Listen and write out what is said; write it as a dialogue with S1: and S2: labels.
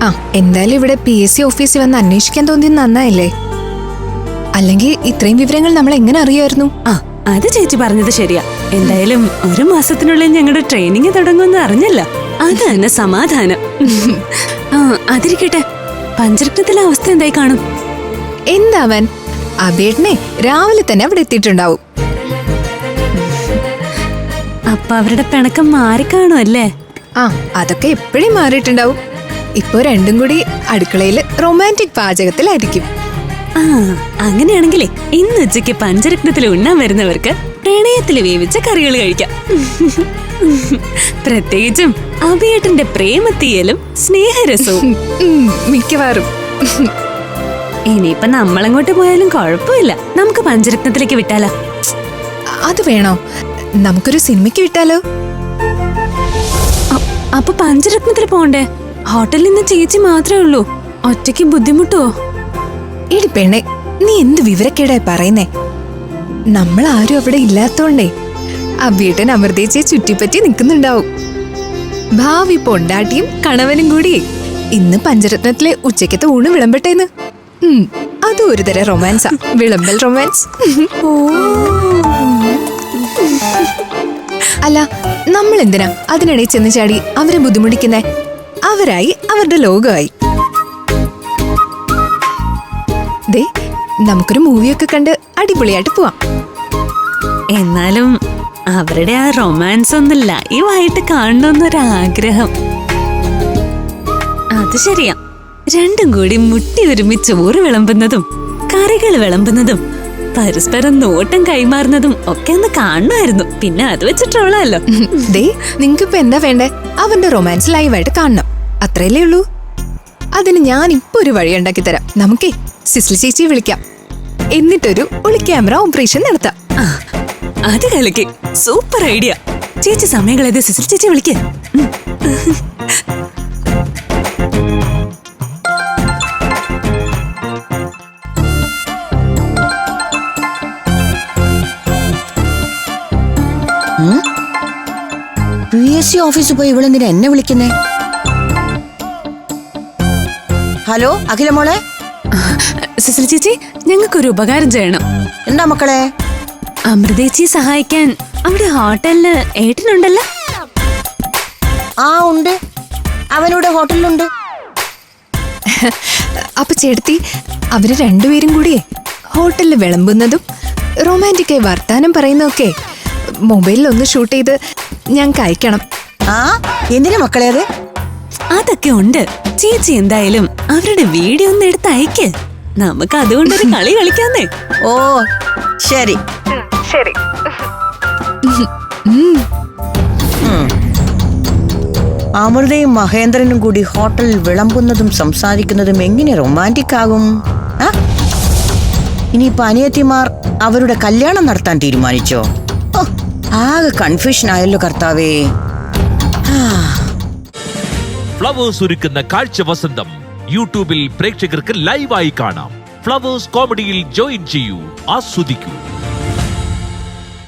S1: എന്തായാലും ഇവിടെ PSC ഓഫീസിൽ വന്ന് അന്വേഷിക്കാൻ തോന്നിയത് നന്നായില്ലേ? അല്ലെങ്കിൽ ഇത്രയും വിവരങ്ങൾ നമ്മൾ എങ്ങനെ അറിയായിരുന്നു?
S2: അത് ചേച്ചി പറഞ്ഞത് ശരിയാ. എന്തായാലും 1 മാസത്തിനുള്ളിൽ ഞങ്ങളുടെ ട്രെയിനിങ് തുടങ്ങുമെന്ന് അറിഞ്ഞല്ല. അത് തന്നെ സമാധാനം. അതിരിക്കട്ടെ, പഞ്ചരത്നത്തിലെ അവസ്ഥ എന്തായി കാണും?
S1: എന്താവൻ, അബേട്ടനെ രാവിലെ തന്നെ അവിടെ എത്തിയിട്ടുണ്ടാവും.
S2: അപ്പൊ അവരുടെ പിണക്കം മാറിക്കാണുമല്ലേ?
S1: അതൊക്കെ എപ്പോഴും മാറിയിട്ടുണ്ടാവും. ഇപ്പൊ രണ്ടും കൂടി അടുക്കളയില് റൊമാൻറ്റിക് പാചകത്തിലായിരിക്കും.
S2: അങ്ങനെയാണെങ്കിലേ ഇന്ന് ഉച്ചയ്ക്ക് പഞ്ചരത്നത്തിൽ ഉണ്ണാൻ വരുന്നവർക്ക് പ്രണയത്തില് വേവിച്ച കറികൾ കഴിക്കാം. പ്രത്യേകിച്ചും അഭിയേട്ടന്റെ പ്രേമത്തീയലും സ്നേഹരസവും.
S1: മിക്കവാറും.
S2: ഇനിയിപ്പൊ നമ്മളങ്ങോട്ട് പോയാലും കുഴപ്പമില്ല. നമുക്ക് പഞ്ചരത്നത്തിലേക്ക് വിട്ടാലോ?
S1: അത് വേണോ? നമുക്കൊരു സിനിമയ്ക്ക് വിട്ടാലോ?
S2: അപ്പൊ പഞ്ചരത്നത്തിൽ പോണ്ടേ? ഹോട്ടലിൽ നിന്ന് ചേച്ചി മാത്രമേ ഉള്ളൂ. ഒറ്റയ്ക്ക് ബുദ്ധിമുട്ടോ?
S1: എടി പെണ്ണെ, നീ എന്ത് വിവരക്കേടായി പറയുന്നേ? നമ്മൾ ആരും അവിടെ ഇല്ലാത്തോണ്ടേ അബിയേട്ടൻ അമൃതേച്ചിയെ ചുറ്റിപ്പറ്റി നിൽക്കുന്നുണ്ടാവും. ഭാവി പൊണ്ടാട്ടിയും കണവനും കൂടി ഇന്ന് പഞ്ചരത്നത്തിലെ ഉച്ചക്കത്തെ ഊണ് വിളമ്പട്ടേന്ന്. അതും ഒരു തരം റൊമാൻസാ, വിളമ്പൽ റൊമാൻസ്. അല്ല, നമ്മൾ എന്തിനാ അതിനിടയിൽ ചെന്ന് ചാടി അവരെ ബുദ്ധിമുട്ടിക്കുന്നേ? അവരായി അവരുടെ ലോകമായി. ദേ, നമുക്കൊരു മൂവിയൊക്കെ കണ്ട് അടിപൊളിയായിട്ട് പോവാം.
S2: എന്നാലും അവരുടെ ആ റൊമാൻസ് ഒന്ന് ലൈവായിട്ട് കാണണമെന്നൊരാഗ്രഹം. അത് ശരിയാ. രണ്ടും കൂടി മുട്ടി ഒരുമിച്ച് ചോറ് വിളമ്പുന്നതും കറികൾ വിളമ്പുന്നതും പരസ്പരം നോട്ടം കൈമാറുന്നതും ഒക്കെ ഒന്ന് കാണുമായിരുന്നു. പിന്നെ അത് വെച്ചിട്ടുള്ളല്ലോ.
S1: ദേ, നിങ്ങൾക്കിപ്പോ എന്താ വേണ്ടേ? അവന്റെ റൊമാൻസ് ലൈവായിട്ട് കാണണം, അത്രയല്ലേ ഉള്ളൂ. അതിന് ഞാൻ ഇപ്പൊ ഒരു വഴി ഉണ്ടാക്കി തരാം. നമുക്കേ സിസ്ലി ചേച്ചിയെ വിളിക്കാം, എന്നിട്ടൊരു ഒളി ക്യാമറ ഓപ്പറേഷൻ നടത്താം.
S2: അത് കളിക്ക്, സൂപ്പർ ഐഡിയ. ചേച്ചി സമയം കളയാതെ സിസ്ലി ചേച്ചി വിളിക്ക്.
S3: PSC ഓഫീസിൽ പോയി ഇവളെന്തിനാ എന്നെ വിളിക്കുന്നേ? ഹലോ അഖില മോളെ.
S2: സിസ്ലി ചേച്ചി, ഞങ്ങൾക്കൊരു ഉപകാരം ചെയ്യണം.
S3: എന്താ മക്കളെ?
S2: അമൃതേച്ചിയെ സഹായിക്കാൻ അവിടെ ഹോട്ടലില് ഏട്ടനുണ്ടല്ലോ.
S3: ഉണ്ട്, അവനിവിടെ ഹോട്ടലിലുണ്ട്.
S1: അപ്പൊ ചേട്ടത്തി, അവര് രണ്ടുപേരും കൂടിയേ ഹോട്ടലിൽ വിളമ്പുന്നതും റൊമാൻറ്റിക്കായി വർത്താനം പറയുന്നതൊക്കെ മൊബൈലിൽ ഒന്ന് ഷൂട്ട് ചെയ്ത് ഞങ്ങൾക്ക് അയക്കണം.
S3: എന്തിനാ മക്കളെ അത്?
S2: അതൊക്കെ ഉണ്ട്. ചേച്ചി എന്തായാലും അവരുടെ വീഡിയോ ഒന്ന് എടുത്ത് അയക്ക്. നമുക്ക് അതുകൊണ്ടൊരു കളി കളിക്കാന്നേ.
S3: ഓ ശരി
S1: ശരി.
S3: അമൃതയും മഹേന്ദ്രനും കൂടി ഹോട്ടലിൽ വിളമ്പുന്നതും സംസാരിക്കുന്നതും എങ്ങനെ റൊമാൻറ്റിക് ആകും? ഇനിയിപ്പോ അനിയത്തിമാർ അവരുടെ കല്യാണം നടത്താൻ തീരുമാനിച്ചോ? ആകെ കൺഫ്യൂഷൻ ആയല്ലോ കർത്താവേ.
S4: ഫ്ലവേഴ്സ് ഒരുക്കുന്ന കാഴ്ച വസന്തം യൂട്യൂബിൽ പ്രേക്ഷകർക്ക് ലൈവായി കാണാം. ഫ്ലവേഴ്സ് കോമഡിയിൽ ജോയിൻ ചെയ്യൂ, ആസ്വദിക്കൂ.